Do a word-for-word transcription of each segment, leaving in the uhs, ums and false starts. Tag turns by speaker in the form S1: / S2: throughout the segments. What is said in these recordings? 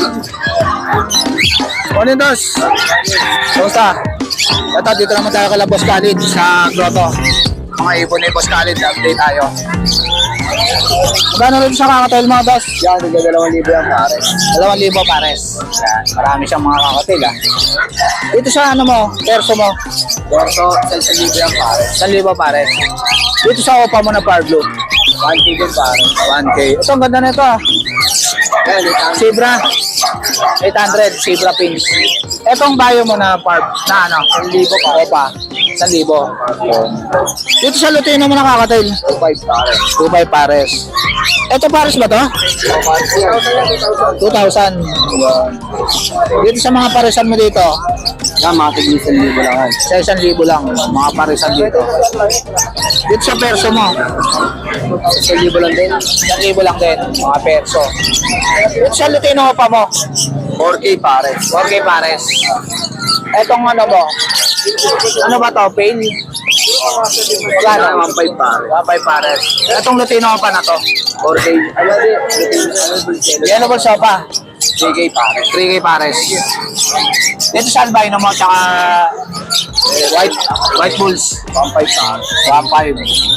S1: Morning, Dos. Kumusta? Ito, dito naman tayo kala Boss Khalid sa Grotto. Mga ibon ni Boss Khalid, update tayo. Magkano rin sa kakatail mga Dos?
S2: Yan, tiga dalawang libo yan pares.
S1: Dalawang libo pares. Yan. Marami siyang mga kakatail ah. Dito sa ano mo, perso mo?
S2: Borso, isang libo yan pares.
S1: Isang libo pares. Dito sa opa mo na Power Blue.
S2: one K din pares.
S1: one K. Ito, ang ganda na ito ah.
S2: Yan, itang
S1: Zebra. eight hundred, Zebra Pins. Etong bayo mo na Parb, na ano?
S2: isang libo pares.
S1: Opa. Isang libo. Dito sa Lutino mo nakakatail.
S2: two five pares.
S1: two five pares. Ito pares ba to?
S2: two thousand.
S1: two thousand. Dito sa mga paresan mo dito,
S2: Yan, mga tiga isang libo lang yan.
S1: sa isang libo lang, mga paresan dito. Dito sa perso mo,
S2: Isang libo lang din.
S1: isang libo lang din, mga perso. Dito sa Lutino pa mo,
S2: four K pares.
S1: four K pares. Etong ano mo, ano ba to? Pain?
S2: Yan,
S1: Wala
S2: one five pares.
S1: one five pares. Etong Lutino pa na to.
S2: four K. Ano din? Ano din?
S1: Yan ba siya pa?
S2: three K pares.
S1: three K pares. Dito sa albino mo, tsaka eh, white white bulls.
S2: one five pares.
S1: one five.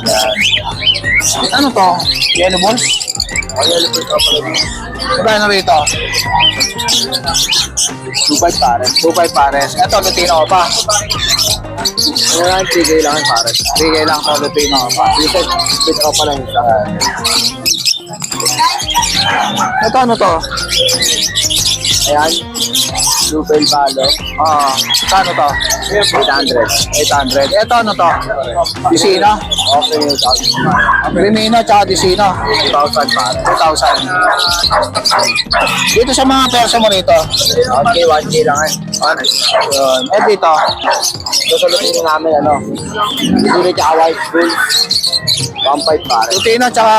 S1: Ano to? Yellow bulls?
S2: Ang yellow po ito pala din.
S1: Magkano rito?
S2: two five pares.
S1: two five pares. Ito, Lutino pa.
S2: Ano yan, three K lang yan pares.
S1: three K lang to, Lutino pa.
S2: Dito, dito ka pala isa.
S1: Ito, ano to?
S2: Ayan. Blue Bell Palo.
S1: Ah, kano to?
S2: eight hundred.
S1: eight hundred. Ito, ano to? Disino?
S2: Okay,
S1: Remino, tsaka Disino.
S2: two thousand pares.
S1: two thousand. Dito sa mga perso mo rito.
S2: Okay, one K lang yan. Pares.
S1: Yun. Eh, dito.
S2: Susulutin namin ano. Dito tsaka white bull. one five pares.
S1: Lutino, tsaka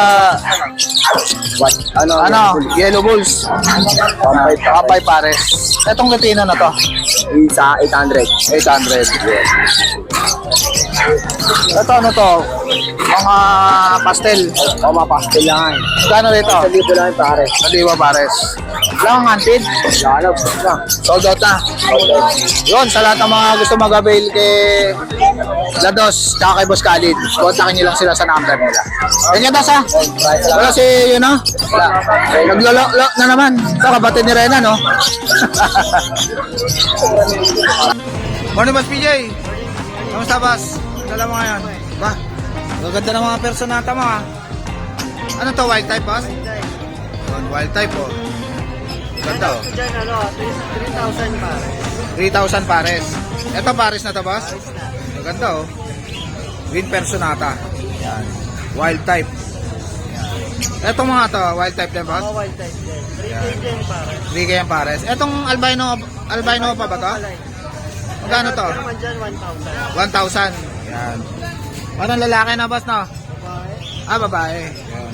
S2: What? Ano?
S1: ano, Yellow Bulls.
S2: one five
S1: one five pares. Etong Lutino na to.
S2: Isa, eight hundred.
S1: eight hundred. Ito, ano to? Mga pastel.
S2: O, mga pastel lang yan.
S1: Kano rito?
S2: Sa libo lang yan pares.
S1: Saliwa pares. Lang hunted.
S2: Lalo, lang.
S1: Sold out na. Yun, sa lahat ng mga gusto mag-avail kay Lados, tsaka kay Boss Khalid, kontakin nyo lang sila sa number nila. Ganyan, Das, ha? Wala si, yun, ha? Wala. Naglolo na naman. Ito, kabatid ni Rena, no? Morning, Boss P J. Kamusta, Boss? Dala mo ngayon? Ba? Gaganda ng mga personata mo, ha? Ano to, wild type, Boss? Yun, wild type, oh. Ganda, oh.
S2: Diyan, ano, three thousand pares.
S1: three thousand pares. Ito pares na to, boss? Maganda, oh. Green personata. Yan. Wild type. Yan. Ito mga to, wild type din, boss?
S2: Oh, wild type din. three K din pares.
S1: three K yung pares. Etong albino, albino pa ba to? Magkano to?
S2: Ito naman dyan, one thousand.
S1: one thousand. Yan. Parang lalaki na, boss, no?
S2: Babae.
S1: Ah, babae. Yan.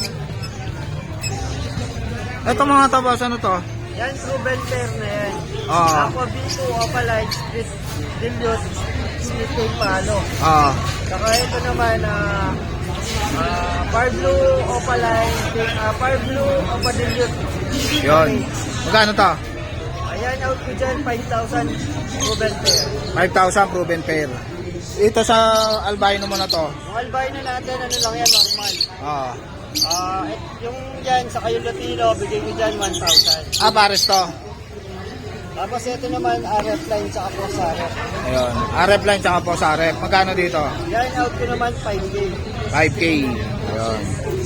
S1: Ito mga to, boss, ano to?
S2: Yan, proven pair na yan.
S1: Oo.
S2: Aqua B two, Opaline, Split, Dilute, Split Cake Palo.
S1: Oo.
S2: Saka ito naman, ah, ah, Par Blue, Opaline, ah, Par Blue, Opa Dilute.
S1: Yun. Magkano to?
S2: Ayan, out ko dyan, five thousand proven pair.
S1: five thousand proven pair. Ito sa albino mo na to.
S2: Yung albino natin, ano lang yan, normal.
S1: Oo.
S2: Ah, et- yung dyan, sa kayo Latino, bigay ko dyan, one thousand.
S1: Ah, pares to.
S2: Tapos ito naman, R F line, saka po sa R F.
S1: Ayun. R F line tsaka po sa R F. Magkano dito?
S2: Yan, out ko naman, five K.
S1: five K. Ayun.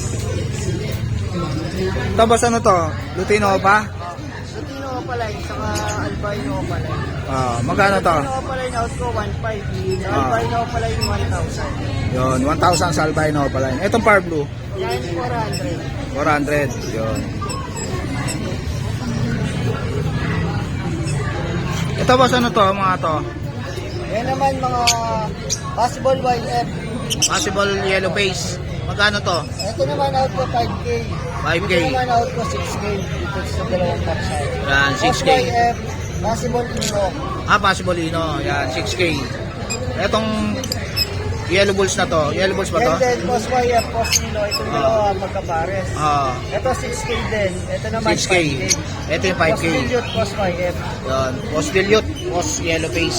S1: Tapos ano to? Lutino pa?
S2: Latino Opaline, saka albino Opaline.
S1: Ah, magkano to?
S2: Latino Opaline, out ko, one five. Sa
S1: Ah.
S2: albino Opaline, one thousand.
S1: Yun, one thousand sa albino pa line. Itong par blue,
S2: Yan, four hundred.
S1: four hundred. Yun. Ito boss, ano to? Mga to?
S2: Yan naman, mga possible Y F.
S1: Possible yellow face. Magkano to?
S2: Ito naman, out ko, five K.
S1: five K.
S2: Ito naman, out ko, six K. Dito sa dalawang kapsay.
S1: Yan, six K.
S2: Y F, possible Ino.
S1: Ah, possible ino. Yan, six K. Etong Yellow bulls na to. Yellow bulls ba to?
S2: And then, post Y F, post Nilo, itong dalawa magkapares.
S1: Ah,
S2: Ito six K din. Ito naman
S1: six K.
S2: five K.
S1: Ito yung five K.
S2: Post Dilute, post Y F.
S1: Yan. Post dilute, post yellow face.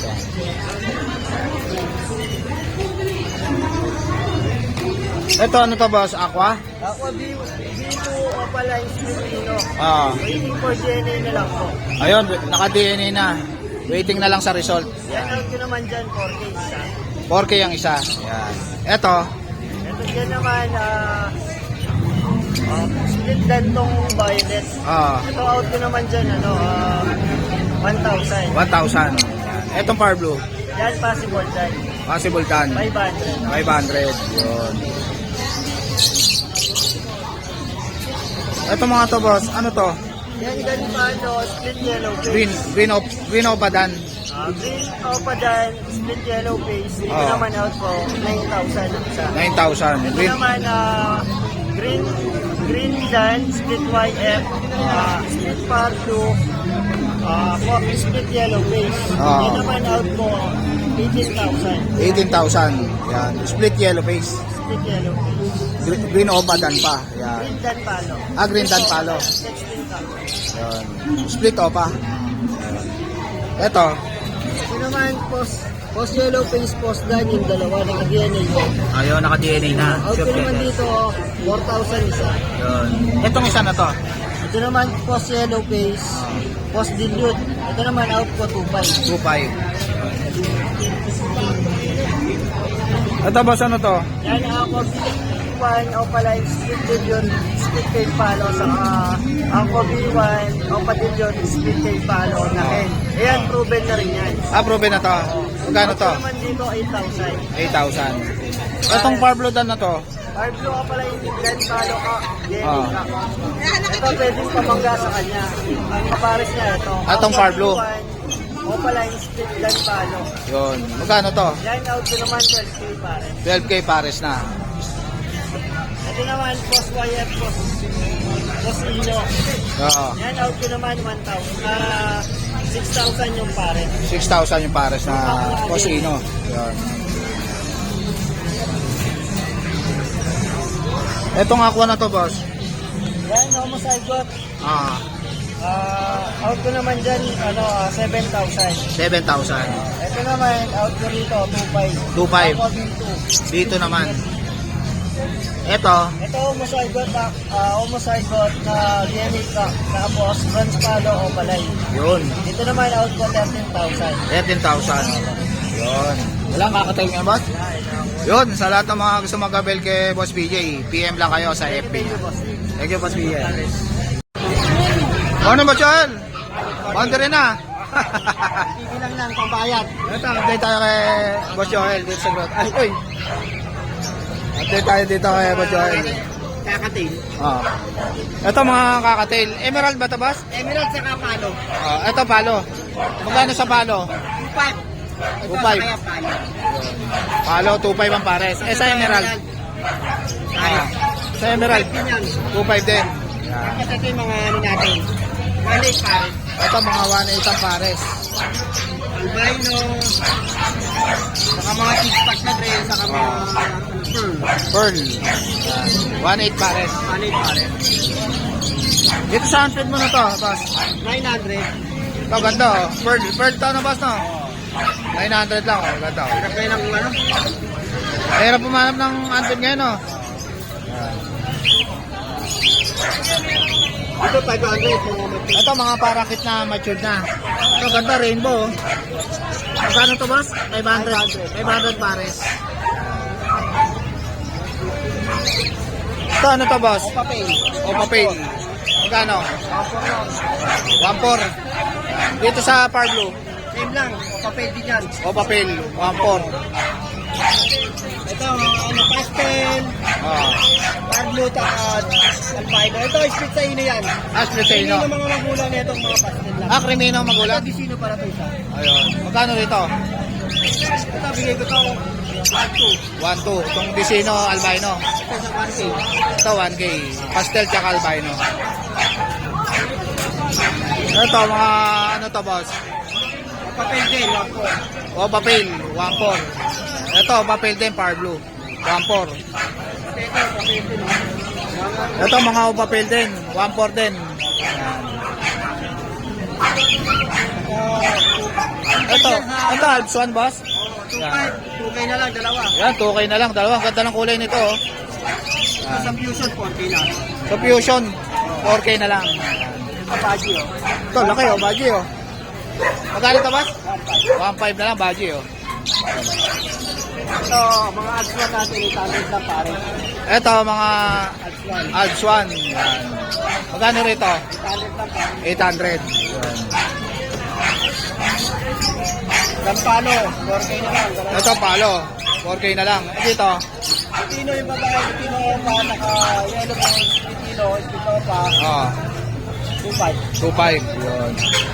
S1: Ito ano to boss? Aqua?
S2: Ako, B two Opaline Filipino.
S1: Ah.
S2: Waiting for D N A na lang po.
S1: Ayun, naka-D N A na. Waiting na lang sa result.
S2: Yan out ko naman dyan, four K isa.
S1: four K ang isa. Yan. Ito,
S2: Ito dyan naman, ah, ah, split dan tong violet.
S1: ah,
S2: Ito out ko naman dyan, ano, ah, one thousand.
S1: one thousand. Etong Par Blue,
S2: Yan, possible dyan.
S1: possible tan.
S2: five hundred.
S1: five hundred. Yun. Ito mga to boss, ano to?
S2: Yan, ganito, ano, split yellow face.
S1: Green, green op, green opadan.
S2: Ah, green opa dyan, split yellow face. Ito
S1: Oh.
S2: naman out ko, nine thousand ang isa.
S1: nine thousand.
S2: Ito
S1: Green,
S2: naman, ah, green, green dyan, split Y F, ah, split par blue, ah, coffee split yellow face.
S1: Ah.
S2: Ito naman out ko, eighteen thousand.
S1: eighteen thousand. Yan. Split yellow face.
S2: Split yellow face.
S1: Green, green opadan pa. Yan.
S2: Green dan palo.
S1: Ah, green dan palo.
S2: sixteen thousand.
S1: Yan. Split opa. Ito,
S2: Ito naman, post, post yellow face, post dan yung dalawa, naka-D N A yun.
S1: ayun, naka-D N A na.
S2: Out ko naman dito, four thousand isa.
S1: Yun. Itong isa na to.
S2: Ito naman, post yellow face, post dilute. Ito naman, out ko two five.
S1: two five. Ito boss, ano to?
S2: Yan ako, one, Opaline, split dilute, split tail palo, saka ako B one, Opa dilute, split tail palo, na hen. Ayan, proven na rin yan.
S1: Ah, proven na to. Magkano to?
S2: Ito naman dito, eight thousand.
S1: eight thousand. Itong Par Blue Dan na to.
S2: Our blue Opaline, blend palo ka, Jenny
S1: Ah.
S2: ka. Ito, pwedeng pamangga sa kanya. Ang kapares niya, ito.
S1: Atong
S2: Ako,
S1: Par Blue.
S2: B one, Opaline, split blend palo.
S1: Yun. Magkano to?
S2: Yan, out ko naman, twelve K pare.
S1: twelve K pares na.
S2: Ito naman, post Y F, post, post Ino.
S1: Oo.
S2: Yan, out ko naman, one thousand. Ah, six thousand yung pare.
S1: six thousand yung pares na Cosino. Yun. Itong aqua na to boss.
S2: Yan, homozygote.
S1: Ah,
S2: Ah, out ko naman dyan, ano, ah, seven thousand.
S1: seven thousand.
S2: Ito naman, out ko rito, two five.
S1: two five.
S2: Ako, B two.
S1: Dito naman. Ito,
S2: Ito, homozygote, na, ah, homozygote na D N A ka. Tapos, bronze palo o balay.
S1: yun.
S2: Ito naman, out ko thirteen thousand.
S1: thirteen thousand. Yun. Wala kakatail nga boss? Yun, sa lahat ng mga gusto mag-abel kay Boss P J, P M lang kayo sa F B.
S2: Thank you, boss.
S1: Thank you, Boss P J. Ano ba, Joel? Boundary na.
S2: Hindi lang lang, pambayad.
S1: Ito, update tayo kay Boss Joel dito sa grot. Ay, uy! Update tayo dito kay Boss Joel.
S2: Kakatil.
S1: Ah. Ito mga kakatail. Emerald ba ito, boss?
S2: Emerald sa kapalo.
S1: Ah, ito palo. Magkano sa palo?
S2: two five.
S1: two five.
S2: palo.
S1: Palo, two five ang pares. Eh, sa emerald? Ah, sa emerald, two five din. Yan.
S2: Kasi ito yung mga ano natin. Balik pare.
S1: Ito mga one eight ang pares.
S2: Albino. Saka mga six-pack na dress. Saka mga pearl.
S1: Pearl. Yan. one eight pares.
S2: Balik pare.
S1: Dito sa hundred mo na to, boss.
S2: nine hundred.
S1: Ito, ganda oh. Pearl. Pearl to na, boss, no? nine hundred lang, oh. Ganda oh.
S2: Hirap kayo ng ano?
S1: Mahirap pumanap ng hundred ngayon, oh.
S2: Ito five hundred. Mga matik.
S1: Ito, mga parakit na matured na. Ito, ganda, rainbow, oh. Magkano to, boss? five hundred. five hundred pares. Ito, ano to, boss?
S2: Papel.
S1: O papel. Magkano? one four. Dito sa Par Blue.
S2: Same lang. Papel din yan.
S1: O papel. one four.
S2: Ito, ano, pastel.
S1: Oh.
S2: Pablo, takad. Albino. Ito, split sa ino yan.
S1: Ashley
S2: Hindi
S1: Seno.
S2: ng mga magulang nito mga pastel lang.
S1: Ah, Crimino
S2: Ito,
S1: magulang.
S2: di sino para to isa.
S1: Ayun. Magkano dito?
S2: Ito, bigay ko to. one two.
S1: one two. Itong Vicino Albino.
S2: Ito sa one K.
S1: Ito one K. Pastel tsaka Albino. Ito mga ano to, boss?
S2: Papel din, one four.
S1: O papel. one four. Ito, papel din, Power Blue. one four.
S2: Ito, papel din. oh.
S1: Ito, mga papel din. one four din. Ito, ito, Alps one, boss.
S2: two five, two K na lang, dalawa.
S1: Yan, two K na lang. Dalawa, ganda ng kulay nito. Oh.
S2: Ito sa Fusion, four K na.
S1: So, Fusion, four K na lang.
S2: Kapaji, oh.
S1: Ito, laki oh, baji oh. Magkano ito, boss? one five na lang, baji oh.
S2: Ito, mga ads one natin, eight hundred lang pare.
S1: Ito, mga
S2: Ads one.
S1: Alps one. Yan. Magkano rito?
S2: eight hundred lang pare.
S1: eight hundred. Yan.
S2: Gampano, four K na lang. dalawa.
S1: Ito, palo. four K na lang. Eh, dito,
S2: Pitino yung babae, Pitino pa, naka-yellow pa, Pitino, Pitino pa,
S1: oh,
S2: two five.
S1: two five. Yun.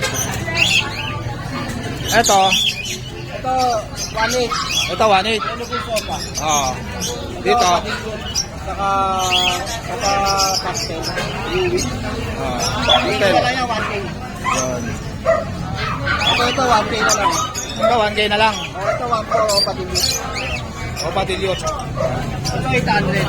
S1: Ito,
S2: Ito, one eight.
S1: ito, one eight.
S2: Yellow po sopa.
S1: Oh. Dito,
S2: Saka, saka pastel. Louis.
S1: oh.
S2: Ito
S1: Hotel.
S2: na lang yan, one K.
S1: Yun.
S2: Ito, ito, one K na lang.
S1: Ito, one K na lang.
S2: Oh, ito, one four, o patilis.
S1: O, patilyot.
S2: Ito, eight hundred.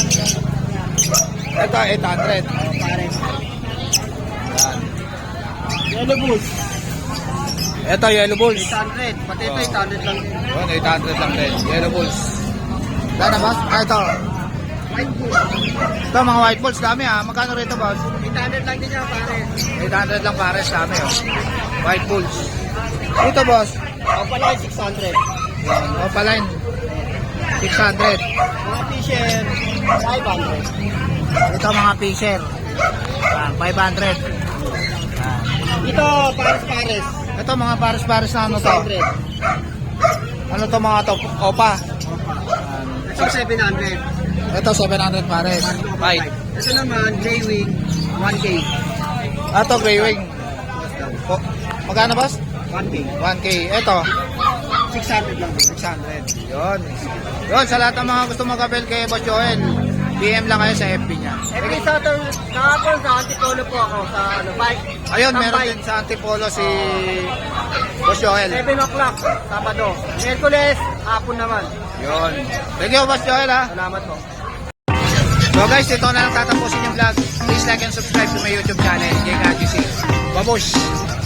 S1: Ito, eight hundred.
S2: Oh, pare.
S1: Yan.
S2: Yellow boots.
S1: Ito, yellow bulls.
S2: eight hundred. Pati ito,
S1: Oh.
S2: eight hundred lang din.
S1: Yun, eight hundred lang din. Yellow bulls. Dana, boss? Ah, ito.
S2: White boots.
S1: Ito, mga white bulls. Dami ah. Magkano rito, boss?
S2: eight hundred lang din yan, pare.
S1: eight hundred lang pares. Dami oh. White bulls. Ito, boss.
S2: O pala, six hundred.
S1: Yan. Opaline. six hundred.
S2: Mga t-shirt, five hundred.
S1: Ito, mga fisher. Yan, five hundred. Yan.
S2: Ito, pares-pares.
S1: Ito, mga pares-pares na ano
S2: six
S1: to?
S2: hundred.
S1: Ano to mga to? Opa.
S2: Ito, seven hundred.
S1: Ito, seven hundred pares. White.
S2: Ito naman, J-Wing, one K.
S1: Ito, gray wing. O, magkano, boss?
S2: one K.
S1: one K. Ito,
S2: six hundred lang.
S1: six hundred. Yun. Yun, sa lahat ng mga gusto mag-abel kay Boss Joel, P M lang kayo sa F B niya.
S2: Every Saturday, kahapon sa Antipolo po ako sa ano, bike.
S1: Ayun,
S2: Sa
S1: meron
S2: bike.
S1: din sa Antipolo si Boss Joel.
S2: seven o'clock, Sabado. Miyerkules, hapon naman.
S1: Yun. Thank you, Boss Joel, ha.
S2: Salamat po.
S1: So guys, ito na lang tatapusin yung vlog. Please like and subscribe to my YouTube channel, J K G C. Babush!